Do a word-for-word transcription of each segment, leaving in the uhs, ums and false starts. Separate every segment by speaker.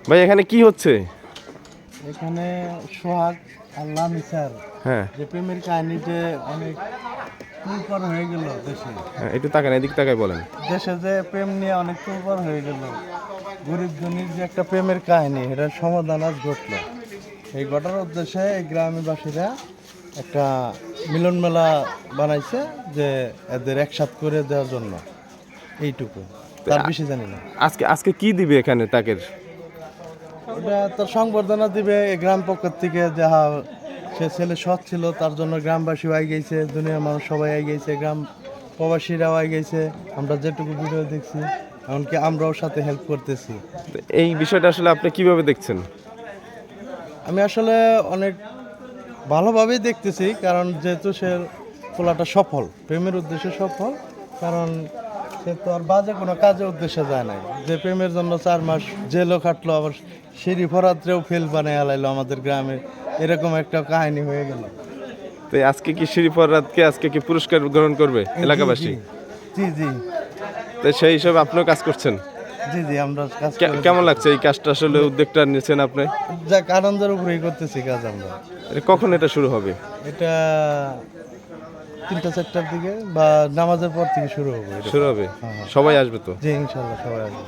Speaker 1: ভাই এখানে কি হচ্ছে?
Speaker 2: এখানে সোহাগ আল্লাহ মিসার
Speaker 1: হ্যাঁ
Speaker 2: যে প্রেমের কাহিনীতে অনেক তুলপার হয়ে গেল দেশে।
Speaker 1: হ্যাঁ একটু তাকান, এদিক তাকাই বলেন।
Speaker 2: দেশে যে প্রেম নিয়ে অনেক তুলপার হয়ে গেল, গরিব ধনীর যে একটা প্রেমের কাহিনী, এটার সমাধান আজ ঘটল। এই ঘটার উদ্দেশ্যে এই গ্রামবাসীরা একটা মিলন মেলা বানাইছে, যে এদের একসাথ করে দেওয়ার জন্য। এইটুকু, তার বেশি জানি না।
Speaker 1: আজকে আজকে কি দিবে এখানে তাকের?
Speaker 2: ওটা তার সংবর্ধনা দিবে এই গ্রাম পক্ষের থেকে, যাহা সে ছেলে সৎ ছিল তার জন্য গ্রামবাসী আই গেছে, দুনিয়ার মানুষ সবাই আই গেছে, গ্রাম প্রবাসীরাও আই গেছে। আমরা যেটুকু ভিডিও দেখছি, এমনকি আমরাও সাথে হেল্প করতেছি।
Speaker 1: তো এই বিষয়টা আসলে আপনি কিভাবে দেখছেন?
Speaker 2: আমি আসলে অনেক ভালোভাবেই দেখতেছি, কারণ যেহেতু সে পোলাটা সফল, প্রেমের উদ্দেশ্যে সফল। কারণ সে তো আর বাজে কোনো কাজে উদ্দেশ্যে যায় নাই, যে প্রেমের জন্য চার মাস জেলও খাটলো, আবার সিঁড়ি ফরাত্রেও ফেল বানিয়ে হালাইলো আমাদের গ্রামে। এরকম একটা কাহিনী হয়ে গেল।
Speaker 1: তো আজকে কি শিরিফর রাতকে আজকে কি পুরস্কার গ্রহণ করবে এলাকাবাসী?
Speaker 2: জি জি
Speaker 1: তো সেই হিসাবে আপনিও কাজ করছেন?
Speaker 2: জি জি আমরা কাজ
Speaker 1: কে-
Speaker 2: করে-
Speaker 1: কেমন লাগছে এই কাজটা, আসলে উদ্যোগটা নিয়েছেন আপনি?
Speaker 2: যাক, আনন্দের উপরেই করতেছি কাজ আমরা।
Speaker 1: এটা কখন এটা শুরু হবে?
Speaker 2: এটা তিনটা চারটার দিকে বা নামাজের পর থেকে শুরু হবে এটা।
Speaker 1: শুরু হবে,
Speaker 2: হ্যাঁ, হ্যাঁ।
Speaker 1: সবাই আসবে তো?
Speaker 2: জি ইনশাল্লাহ সবাই আসবে।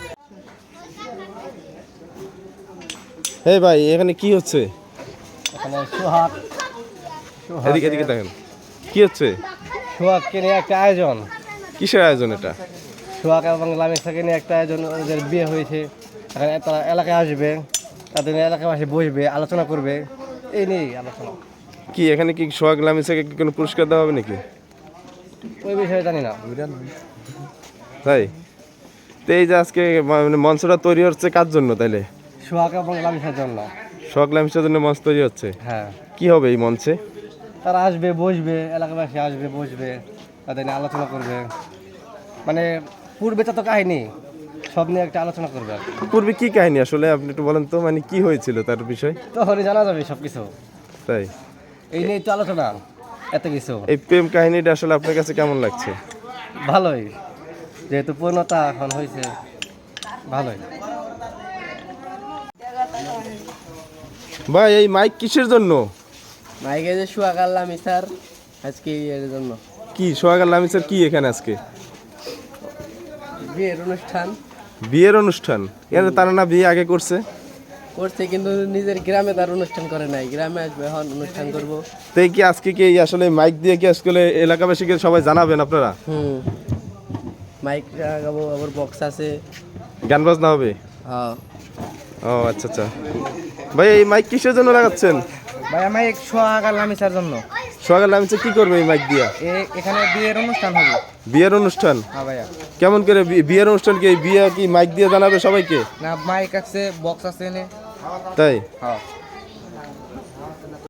Speaker 1: এই ভাই এখানে কি হচ্ছে?
Speaker 2: এখানে সোহাগ
Speaker 1: এদিকে এদিকে দেখেন, কি হচ্ছে?
Speaker 2: সোহাগকে নিয়ে একটা আয়োজন,
Speaker 1: কিসের আয়োজন এটা?
Speaker 2: সোহাগ এবং লামিসাকে নিয়ে একটা আয়োজন, ওদের বিয়ে হয়েছে। এখানে তারা এলাকায় আসবে, তাদের নিয়ে এলাকাবাসী বসবে, আলোচনা করবে, এই নিয়েই আলোচনা।
Speaker 1: কি এখানে কি সোহাগ লামিসাকে কি কোনো পুরস্কার দেওয়া হবে নাকি?
Speaker 2: ওই বিষয়ে জানি না।
Speaker 1: তাই? তো এই যে আজকে মানে মঞ্চটা তৈরি হচ্ছে কার জন্য তাইলে?
Speaker 2: সোহাগ এবং লামিসার জন্য।
Speaker 1: সোহাগ লামিসার জন্য মঞ্চ তৈরি হচ্ছে।
Speaker 2: হ্যাঁ,
Speaker 1: কি হবে এই মঞ্চে?
Speaker 2: তারা আসবে, বসবে, এলাকাবাসী আসবে, বসবে, তাদের নিয়ে আলোচনা করবে। মানে পূর্বে তো কাহিনী সব নিয়ে একটা আলোচনা করবে আর কি।
Speaker 1: পূর্বে কি কাহিনী আসলে আপনি একটু বলেন তো, মানে কি হয়েছিল তার বিষয়?
Speaker 2: তখনই জানা যাবে সব কিছু।
Speaker 1: তাই?
Speaker 2: এই নিয়েই তো আলোচনা, এত কিছু।
Speaker 1: এই প্রেম কাহিনীটা আসলে আপনার কাছে কেমন লাগছে?
Speaker 2: ভালোই, যেহেতু পূর্ণতা এখন হয়েছে, ভালোই।
Speaker 1: ভাই এই মাইক কিসের জন্য?
Speaker 2: মাইকে যে সোহাগ আর লামিসার আজকে এর জন্য
Speaker 1: কি সোহাগ আর লামিসার কি এখানে আজকে
Speaker 2: বিয়ের অনুষ্ঠান
Speaker 1: বিয়ের অনুষ্ঠান? এর তারা না বিয়ে আগে করছে?
Speaker 2: করছে, কিন্তু নিজের গ্রামে তার অনুষ্ঠান করে নাই। গ্রামে আসবে, এখন অনুষ্ঠান করবো।
Speaker 1: তাই কি আজকে কি এই আসলে মাইক দিয়ে কি আসলে এলাকাবাসীকে সবাই জানাবেন আপনারা?
Speaker 2: হুম, মাইক লাগাবো, আবার বক্স আছে।
Speaker 1: গান বাজনা হবে?
Speaker 2: হ্যাঁ
Speaker 1: ও আচ্ছা আচ্ছা। ভাই এই মাইক কিসের জন্য লাগাচ্ছেন?
Speaker 2: ভাই, আমি সোহাগ আর লামিসার জন্য।
Speaker 1: সোহাগ আর লামিসা কি করবে এই মাইক দিয়া?
Speaker 2: এখানে বিয়ের অনুষ্ঠান হবে।
Speaker 1: বিয়ের অনুষ্ঠান?
Speaker 2: হ্যাঁ ভাইয়া।
Speaker 1: কেমন করে বি- বিয়ের অনুষ্ঠান কি এই বিয়ে কি মাইক দিয়ে জানাবে সবাইকে?
Speaker 2: না, মাইক আছে, বক্স আছে এনে।
Speaker 1: তাই?
Speaker 2: হ্যাঁ।